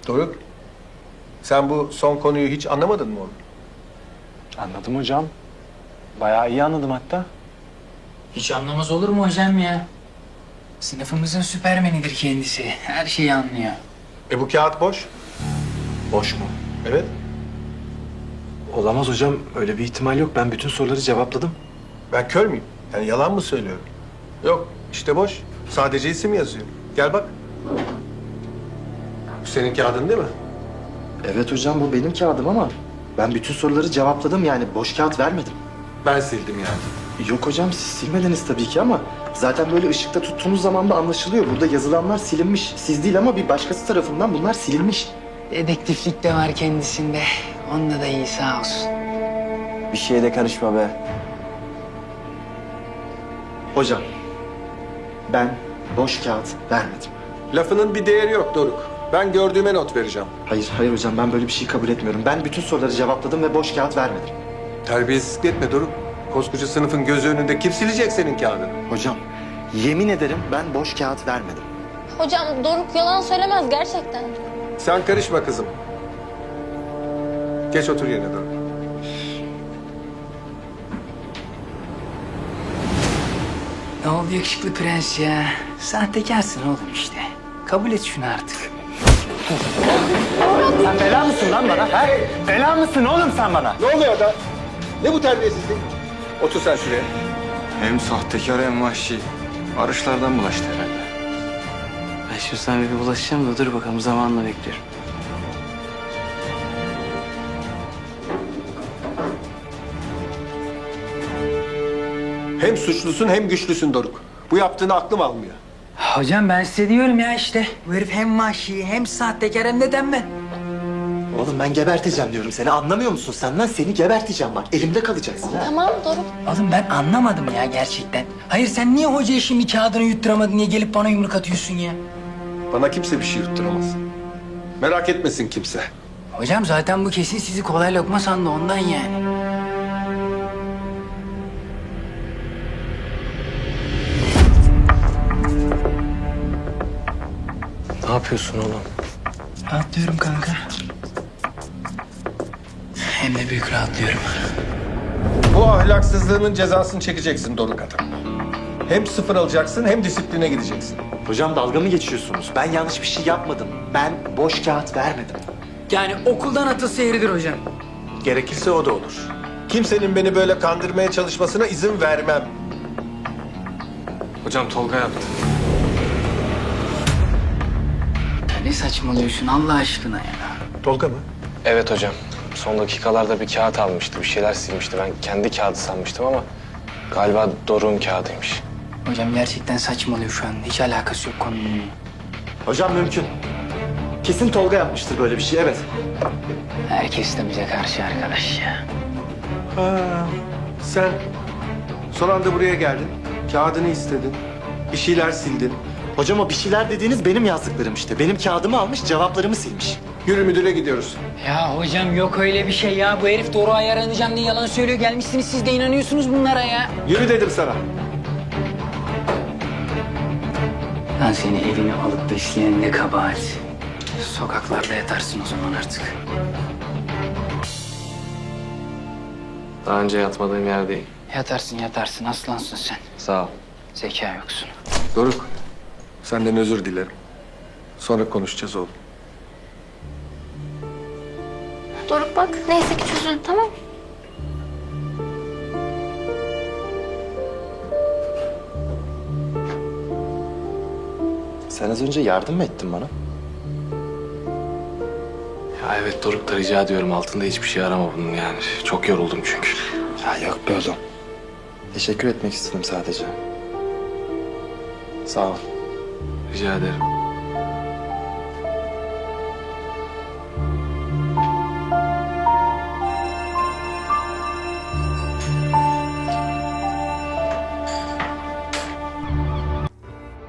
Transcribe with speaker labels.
Speaker 1: Doruk, sen bu son konuyu hiç anlamadın mı oğlum?
Speaker 2: Anladım hocam. Bayağı iyi anladım hatta.
Speaker 3: Hiç anlamaz olur mu hocam ya? Sınıfımızın süpermenidir kendisi. Her şeyi anlıyor.
Speaker 1: Bu kağıt boş.
Speaker 2: Boş mu?
Speaker 1: Evet.
Speaker 2: Olamaz hocam. Öyle bir ihtimal yok. Ben bütün soruları cevapladım.
Speaker 1: Ben kör müyüm? Yani yalan mı söylüyorum? Yok, işte boş. Sadece isim yazıyor. Gel bak. Bu senin kağıdın değil mi?
Speaker 4: Evet hocam bu benim kağıdım ama ben bütün soruları cevapladım yani boş kağıt vermedim.
Speaker 1: Ben sildim yani.
Speaker 4: Yok hocam siz silmediniz tabii ki ama zaten böyle ışıkta tuttuğunuz zaman da anlaşılıyor. Burada yazılanlar silinmiş. Siz değil ama bir başkası tarafından bunlar silinmiş.
Speaker 3: Dedektiflik de var kendisinde. Onda da iyi sağ olsun.
Speaker 4: Bir şeye de karışma be. Hocam ben boş kağıt vermedim.
Speaker 1: Lafının bir değeri yok Doruk. Ben gördüğüme not vereceğim.
Speaker 4: Hayır hocam ben böyle bir şey kabul etmiyorum. Ben bütün soruları cevapladım ve boş kağıt vermedim.
Speaker 1: Terbiyesizlik etme Doruk. Koskoca sınıfın gözü önünde kim silecek senin kağıdını?
Speaker 4: Hocam yemin ederim ben boş kağıt vermedim.
Speaker 5: Hocam Doruk yalan söylemez gerçekten.
Speaker 1: Sen karışma kızım. Geç otur yerine Doruk.
Speaker 3: Ne oldu yakışıklı prens ya? Sahtekarsın oğlum işte. Kabul et şunu artık.
Speaker 2: Sen bela mısın lan bana? Ha? Bela mısın oğlum sen bana?
Speaker 1: Ne oluyor da? Ne bu terbiyesizlik? Otur sen şuraya.
Speaker 6: Hem sahtekar hem vahşi. Arışlardan bulaştı herhalde.
Speaker 3: Ben şimdi sana bir bulaşacağım da dur bakalım zamanla bekliyorum.
Speaker 1: Hem suçlusun hem güçlüsün Doruk. Bu yaptığını aklım almıyor.
Speaker 3: Hocam ben size diyorum ya işte. Bu herif hem vahşi hem sahtekar hem de tembel.
Speaker 4: Oğlum ben geberteceğim diyorum seni anlamıyor musun sen lan? Seni geberteceğim bak elimde kalacaksın ha.
Speaker 5: Tamam Doruk.
Speaker 3: Oğlum ben anlamadım ya gerçekten. Hayır sen niye hocaya şimdi kağıdını yutturamadın, niye gelip bana yumruk atıyorsun ya?
Speaker 1: Bana kimse bir şey yutturamaz. Merak etmesin kimse.
Speaker 3: Hocam zaten bu kesin sizi kolay lokma sandı ondan yani.
Speaker 2: Ne yapıyorsun oğlum?
Speaker 3: Rahatlıyorum kanka. Hem de büyük rahatlıyorum.
Speaker 1: Bu ahlaksızlığının cezasını çekeceksin Doruk adam. Hem sıfır alacaksın hem disipline gideceksin.
Speaker 4: Hocam dalga mı geçiyorsunuz? Ben yanlış bir şey yapmadım. Ben boş kağıt vermedim.
Speaker 3: Yani okuldan atılsa yeridir hocam.
Speaker 1: Gerekirse o da olur. Kimsenin beni böyle kandırmaya çalışmasına izin vermem.
Speaker 6: Hocam Tolga yaptı.
Speaker 3: Ne saçmalıyorsun Allah aşkına ya?
Speaker 1: Tolga mı?
Speaker 2: Evet hocam. Son dakikalarda bir kağıt almıştı. Bir şeyler silmişti. Ben kendi kağıdı sanmıştım ama galiba Doruk'un kağıdıymış.
Speaker 3: Hocam gerçekten saçmalıyor şu an. Hiç alakası yok konunun.
Speaker 4: Hocam mümkün. Kesin Tolga yapmıştır böyle bir şey evet.
Speaker 3: Herkes de bize karşı arkadaş ya.
Speaker 1: Ha, sen son anda buraya geldin. Kağıdını istedin. Bir şeyler sildin.
Speaker 4: Hocam o bir şeyler dediğiniz benim yazdıklarım işte. Benim kağıdımı almış cevaplarımı silmiş.
Speaker 1: Yürü müdüre gidiyoruz.
Speaker 3: Ya hocam yok öyle bir şey ya. Bu herif Doruk'a yaranacağım diye yalan söylüyor. Gelmişsiniz siz de inanıyorsunuz bunlara ya.
Speaker 1: Yürü dedim sana.
Speaker 3: Ben seni evine alıp besleyen ne kabahat. Sokaklarda yatarsın o zaman artık.
Speaker 2: Daha önce yatmadığım yer değil.
Speaker 3: Yatarsın aslansın sen.
Speaker 2: Sağ ol.
Speaker 3: Zeka yoksun.
Speaker 1: Doruk, senden özür dilerim. Sonra konuşacağız oğlum.
Speaker 5: Doruk bak neyse ki çözüldü tamam mı?
Speaker 4: Sen az önce yardım mı ettin bana?
Speaker 2: Ya evet Doruk da rica ediyorum. Altında hiçbir şey arama bunun yani. Çok yoruldum çünkü.
Speaker 4: Ya yok be oğlum. Teşekkür etmek istedim sadece.
Speaker 2: Sağ ol. Rica ederim.